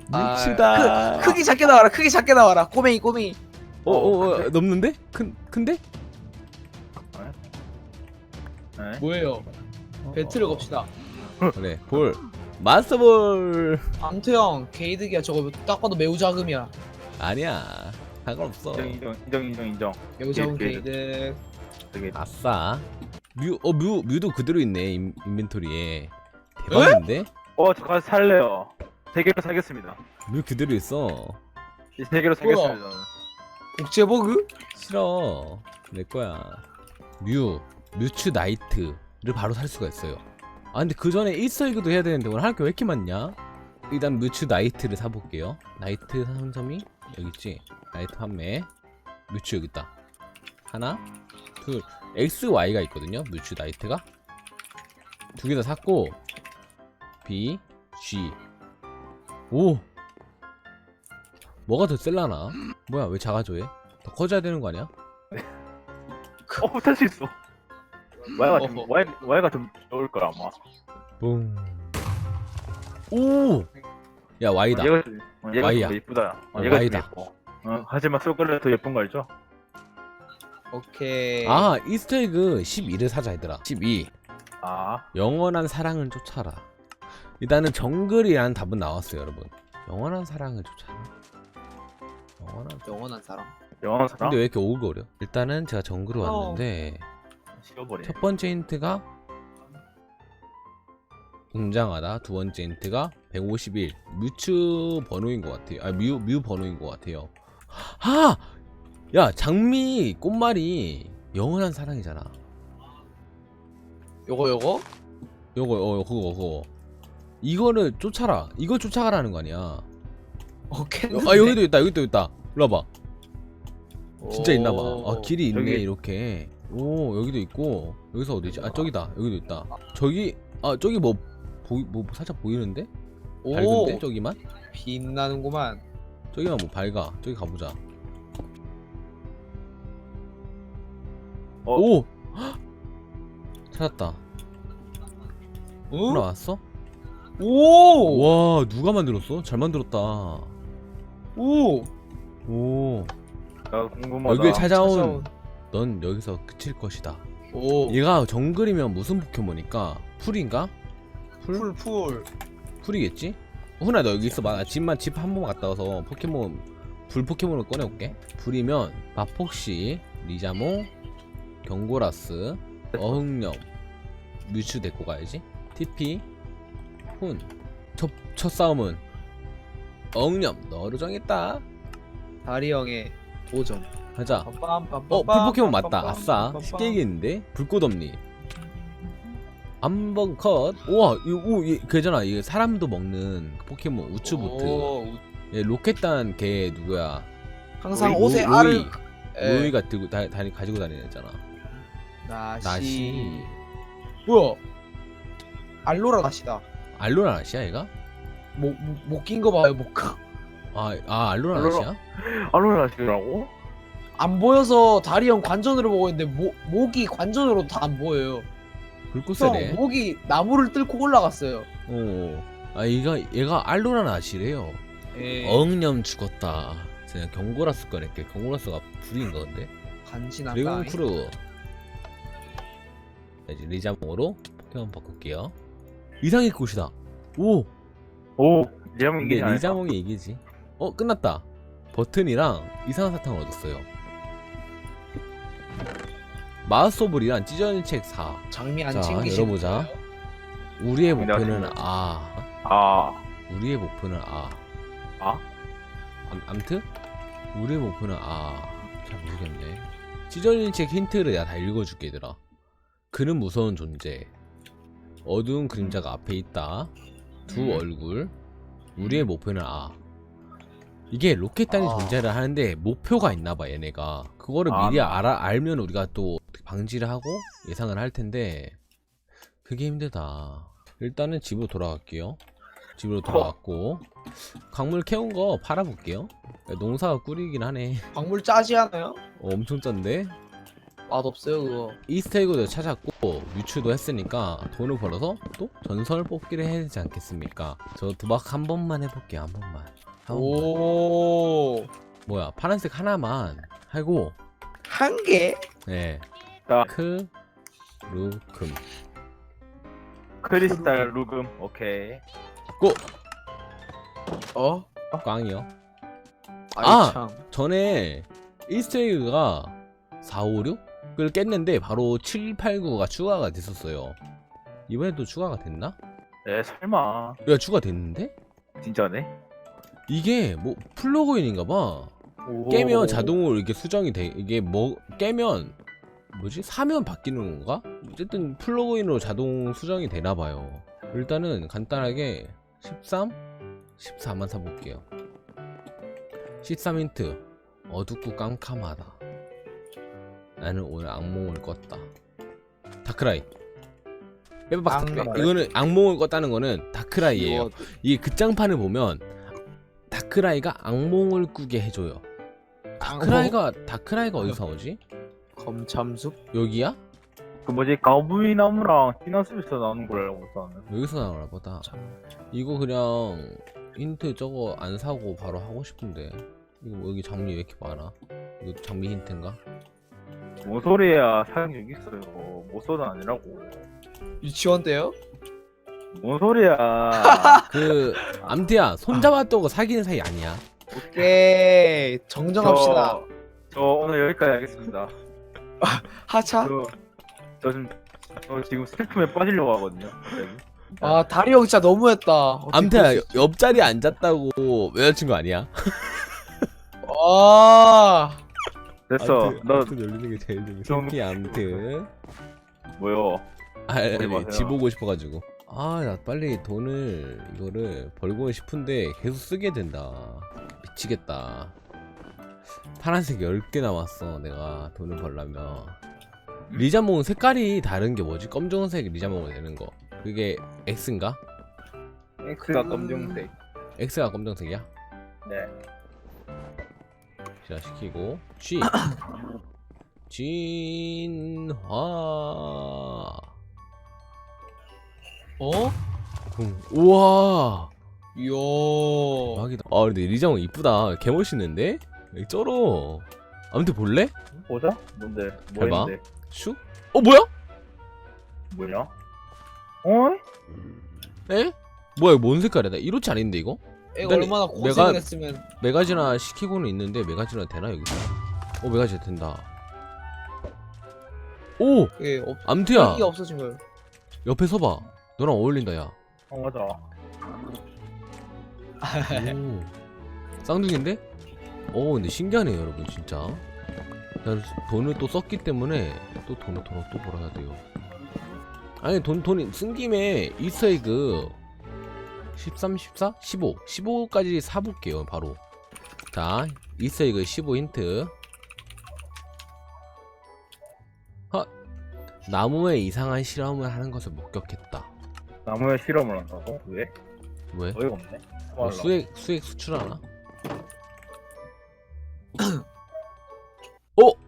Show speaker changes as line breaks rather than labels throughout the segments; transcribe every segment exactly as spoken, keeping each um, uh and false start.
뭉치다.
크, 크기 작게 나와라. 크기 작게 나와라. 꼬맹이 꼬맹이.
어, 어, 어, 넘는데? 큰, 큰데?
네.
뭐예요? 배틀을 겁시다.
그래, 볼. 마스터볼.
암투형 게이득이야. 저거 딱 봐도 매우 자금이야.
아니야. 상관없어.
인정 인정 인정 인정 인정.
매우 자금
게이득.
게이득.
되게
아싸. 뮤, 어, 뮤, 뮤도 그대로 있네, 인, 인벤토리에. 대박인데?
어, 저 가서 살래요. 세 개로 사겠습니다.
뮤 그대로 있어.
이 세 개로 사겠습니다. 저는.
복제버그?
싫어. 내 거야. 뮤, 뮤츠 나이트를 바로 살 수가 있어요. 아, 근데 그 전에 일서이그도 해야 되는데 오늘 할 게 왜 이렇게 많냐? 일단 뮤츠 나이트를 사볼게요. 나이트 상점이 여기 있지? 나이트 판매. 뮤츠 여기 있다. 하나, 둘, 엑스, 와이가 있거든요. 뮤츠 나이트가 두 개 다 샀고, B, G. 오, 뭐가 더 셀라나? 뭐야, 왜 작아져 얘? 더 커져야 되는 거 아니야?
어, 탈 수 있어. 와이가 좀
어허.
와이 와이가 좀 좋을 거야 아마.
뿡. 오, 야 Y다.
얘가 좀, 어, 얘가
와이야.
좀 예쁘다. 어,
어,
얘가
와이다.
좀 예뻐. 어, 하지만 솔걸레 더 예쁜 거 알죠?
오케이.
아, 이스터에그 십이를 사자 얘들아. 십이.
아,
영원한 사랑을 쫓아라. 일단은 정글이라는 답은 나왔어요, 여러분. 영원한 사랑을 쫓아라. 영원한.
영원한 사람.
영원 사람.
근데 왜 이렇게 오글거려? 일단은 제가 정글을
어.
왔는데
식어버려.
첫 번째 힌트가 웅장하다. 두 번째 힌트가 백오십일. 뮤츠 번호인 것 같아요. 아, 뮤, 뮤 번호인 것 같아요. 아! 야, 장미 꽃말이 영원한 사랑이잖아.
요거 요거?
요거, 어, 그거, 그거. 이거를 쫓아라. 이걸 쫓아가라는 거 아니야.
오케이.
아, 여기도 있다, 여기도 있다. 일로 와봐. 진짜 있나봐. 아, 길이 있네,
저기.
이렇게. 오, 여기도 있고. 여기서 어디지? 아, 저기다. 여기도 있다. 저기, 아, 저기 뭐, 보이, 뭐, 살짝 보이는데?
오.
밝은데? 저기만?
빛나는구만.
저기만 뭐 밝아. 저기 가보자.
어.
오! 헉! 찾았다.
어?
올라왔어?
오.
와, 누가 만들었어? 잘 만들었다.
오.
오.
나 궁금하다.
여기에 찾아온
찾아온.
넌 여기서 그칠 것이다.
오.
얘가 정글이면 무슨 포켓몬일까? 풀인가? 풀?
풀 풀.
풀이겠지? 훈아 너 여기 있어봐. 나 집만 집 한 번 갔다 와서 포켓몬 불 포켓몬을 꺼내올게. 불이면 마폭시, 리자몽, 경고라스, 어흥염, 뮤츠 데리고 가야지. 티피, 훈. 첫, 첫 싸움은 어흥염 너를 정했다.
다리 형의 도전.
가자.
빰빰빰빰빰.
어, 불 포켓몬 맞다. 아싸.
빰빰빰빰.
쉽게 이기는데? 불꽃엄니. 한번 컷. 우와, 이거, 오, 얘, 그잖아. 이게 사람도 먹는 그 포켓몬 우츠부트.
오,
얘 로켓단 걔 누구야?
항상
로이,
옷에
로이,
알을. 예.
로이가 들고 다, 다, 가지고 다니는 애잖아.
나시.
나시.
뭐야? 알로라 나시다.
알로라 나시야 얘가?
목목낀 거 봐요 목.
아, 아 알로라
알로라.
나시야?
알로라시라고?
안 보여서 다리 형 관전으로 보고 있는데 목 목이 관전으로 다 안 보여요.
불꽃
형
세네.
목이 나무를 뚫고 올라갔어요.
어. 아 얘가 얘가 알로라 나시래요.
예.
어흥염 죽었다. 그냥 경고라스 꺼낼게. 경고라스가 불인가 근데?
간지나다.
드래곤 크루. 자, 이제 리자몽으로 포켓몬 바꿀게요. 이상의 꽃이다. 오.
오, 리자몽
근데
이기지 않을까?
리자몽이 이기지. 어 끝났다. 버튼이랑 이상한 사탕을 얻었어요. 마우스오블이랑 찢어진 책 사.
장미 안
자,
챙기시는
열어보자.
거예요?
우리의
내가
목표는
챙겨.
아.
아,
우리의 목표는 아.
아?
암, 암튼? 우리의 목표는 아. 잘 모르겠네. 찢어진 책 힌트를 내가 다 읽어줄게 얘들아. 그는 무서운 존재. 어두운 그림자가 앞에 있다. 두
음.
얼굴. 우리의 목표는 아. 이게 로켓단이
아.
존재를 하는데 목표가 있나봐 얘네가. 그거를
아.
미리 알아, 알면 우리가 또 방지를 하고 예상을 할 텐데 그게 힘들다. 일단은 집으로 돌아갈게요. 집으로 돌아갔고 광물 캐온 거 팔아볼게요. 농사가 꿀이긴 하네.
광물 짜지 않아요?
어, 엄청 짠데?
맛없어요 그거.
이스터에그도 찾았고 유추도 했으니까 돈을 벌어서 또 전설 뽑기를 해야 되지 않겠습니까? 저 도박 한 번만 해볼게요. 한 번만. 한 번만.
오.
뭐야 파란색 하나만 하고
한 개?
네
자.
크 루금
크리스탈 루금. 오케이.
고!
어?
꽝이요.
아이
아!
참.
전에 이스터에그가 사, 오, 육을 깼는데 바로 칠, 팔, 구가 추가가 됐었어요. 이번에도 추가가 됐나?
에 설마.
야 추가됐는데?
진짜네.
이게 뭐 플러그인인가봐.
오.
깨면 자동으로 이렇게 수정이 돼. 이게 뭐 깨면 뭐지? 사면 바뀌는 건가? 어쨌든 플러그인으로 자동 수정이 되나 봐요. 일단은 간단하게 십삼, 십사만 사볼게요. 십삼 힌트. 어둡고 깜깜하다. 나는 오늘 악몽을 꿨다. 다크라이. 빼박.
깜깜하네.
이거는 악몽을 꿨다는 거는 다크라이예요.
이거
이게 극장판을 보면 다크라이가 악몽을 꾸게 해줘요. 다크라이가 다크라이가 어디서 나오지?
검참숙?
여기야?
그 뭐지 가오부이 나무랑 티나스에서 나오는 걸 알고 있었는데.
여기서 나오나 보다.
참.
이거 그냥 힌트 저거 안 사고 바로 하고 싶은데. 이거 뭐 여기 장미 왜 이렇게 많아? 이거 장미 힌트인가?
뭔 소리야? 사용 여기 있어요. 모소는 아니라고.
유치원 때요?
뭔 소리야?
그 암트야 손잡았다고 사귀는 사이 아니야.
오케이 정정합시다.
저, 저 오늘 여기까지 하겠습니다.
하차?
저, 저 지금 저 지금 슬픔에 빠지려고 하거든요. 갑자기.
아 다리 형 진짜 너무했다. 어떻게
암트야
그럴 수 있지?
옆자리에 앉았다고 여자친구 아니야?
아
됐어. 너
암트 열리는 게 제일 재밌어.
좀-
피 암트.
뭐요?
아, 아니,
보지 마세요.
집 오고 싶어가지고. 아, 나 빨리 돈을 이거를 벌고 싶은데 계속 쓰게 된다. 미치겠다. 파란색 열 개 남았어. 내가 돈을 벌려면. 리자몽 색깔이 다른 게 뭐지? 검정색 리자몽이 되는 거. 그게 X인가?
X가
그-
검정색.
X가 검정색이야?
네.
자, 시키고 G. 진화.
어?
음, 우와.
이야.
대박이다. 아 근데 리자몽 이쁘다. 개 멋있는데? 여기 쩔어. 아무튼 볼래?
보자. 뭔데? 뭐
해봐.
있는데?
슈? 어 뭐야?
뭐냐? 어?
에? 뭐야 이거 뭔 색깔이야? 나 이렇지 않은데 이거?
애가
일단
얼마나
내가-
고생을 했으면.
메가지나 시키고는 있는데 메가지나 되나 여기서? 어 메가지 된다. 오!
예, 없.
암트야
기가 없어진 거예요.
옆에 서봐. 너랑 어울린다 야.
어 맞아.
오. 쌍둥이인데? 오 근데 신기하네요 여러분 진짜. 난 돈을 또 썼기 때문에 또 돈을 돈을 또 벌어야 돼요. 아니 돈 돈이 쓴 김에 이스터에그 십삼, 십사, 십오, 십오까지 사볼게요 바로. 자 이스터에그 십오 힌트. 하 나무에 이상한 실험을 하는 것을 목격했다.
나무에 실험을 한다고? 왜?
왜?
어이가 없네.
뭐 수액 수액 수출하나? 어?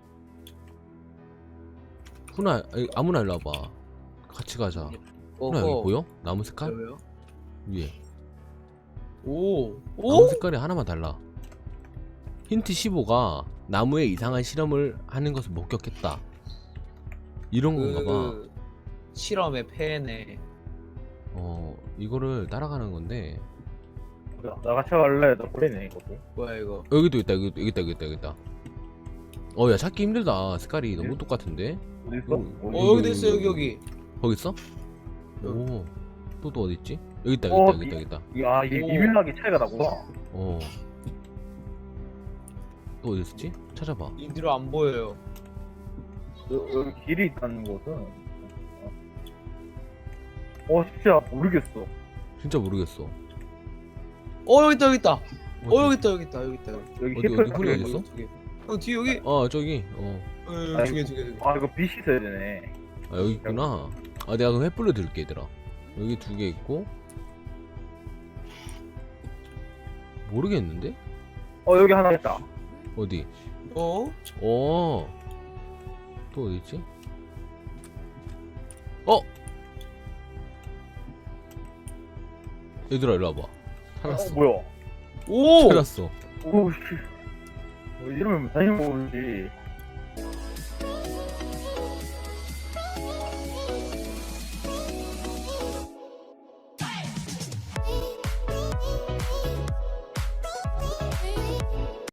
훈아 아니, 아무나 일로 와봐. 같이 가자. 훈아 여기
어허.
보여? 나무 색깔?
왜요?
위에
오.
나무
오?
색깔이 하나만 달라. 힌트 십오가 나무에 이상한 실험을 하는 것을 목격했다. 이런 건가봐.
그 실험의 폐네.
어 이거를 따라가는 건데
나 같이 갈래? 나 보이네 이것도.
뭐야 이거?
여기도 있다 여기 여기 있다 여기 있다 여기 있다. 어야 찾기 힘들다. 색깔이 너무
네?
똑같은데.
어디 있어?
음.
어
여기,
여기도 있어
여기,
여기 여기.
거기 있어?
여기.
오. 또 또 어디 있지? 여기 있다 여기
어,
있다 여기 있다 여기 있다.
야 이게
오.
미밀하게 차이가 나구나.
어. 또 어디 있었지? 찾아봐.
이대로 안 보여요.
여- 여기 길이 있다는 것은. 어 진짜 모르겠어.
진짜 모르겠어.
어 여기 있다 여기 있다.
어디?
어 여기 있다 여기 있다 여기 있다. 여기.
여기
어디,
히플
어디 홀이 어디 있어?
두 개. 형 뒤에 여기.
어 저기. 어.
어, 두 개 두 개 두 개.
아 이거 빛이 있어야 되네.
아 여기 있구나. 아 내가 그 횃불로 들게 얘들아. 여기 두 개 있고. 모르겠는데?
어 여기 하나 있다.
어디?
어?
어. 또 어디있지? 어? 얘들아 일로 와봐. 찾았어.
어, 뭐야?
오!
찾았어.
오씨. 뭐 이러면 당연히 모르지.